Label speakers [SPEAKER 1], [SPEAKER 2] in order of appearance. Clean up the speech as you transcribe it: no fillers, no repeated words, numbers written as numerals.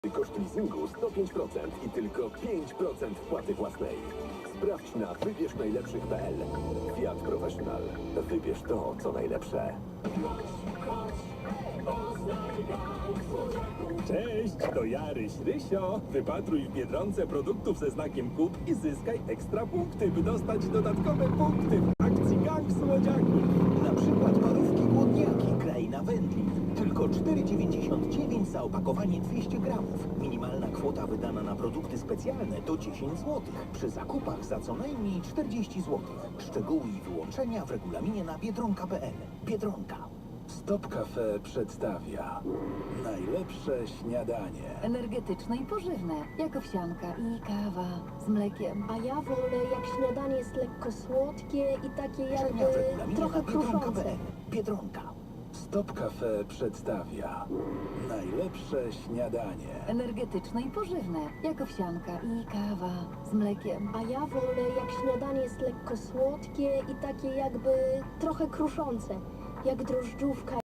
[SPEAKER 1] Koszt leasingu 105% i tylko 5% wpłaty własnej. Sprawdź na wybierznajlepszych.pl. Fiat Professional. Wybierz to, co najlepsze.
[SPEAKER 2] Cześć, to ja, Rysio. Wypatruj w Biedronce produktów ze znakiem KUP i zyskaj ekstra punkty, by dostać dodatkowe punkty w akcji Gang Słodziaki.
[SPEAKER 3] Na przykład parówki głodniaki Kraina Wędlin. Tylko 4,99 za opakowanie 200 gramów. Minimalna kwota wydana na produkty specjalne to 10 zł. Przy zakupach za co najmniej 40 zł. Szczegóły i wyłączenia w regulaminie na biedronka.pl. Biedronka.
[SPEAKER 2] Stop Cafe przedstawia najlepsze śniadanie.
[SPEAKER 4] Energetyczne i pożywne, jak owsianka i kawa z mlekiem.
[SPEAKER 5] A ja wolę, jak śniadanie jest lekko słodkie i takie
[SPEAKER 3] Wyłączenia w
[SPEAKER 5] jakby
[SPEAKER 3] regulaminie
[SPEAKER 5] trochę
[SPEAKER 3] na
[SPEAKER 5] kruszące.
[SPEAKER 3] biedronka.pl. Biedronka.
[SPEAKER 2] Stop Cafe przedstawia najlepsze śniadanie.
[SPEAKER 4] Energetyczne i pożywne, jak owsianka i kawa z mlekiem.
[SPEAKER 5] A ja wolę, jak śniadanie jest lekko słodkie i takie jakby trochę kruszące, jak drożdżówka.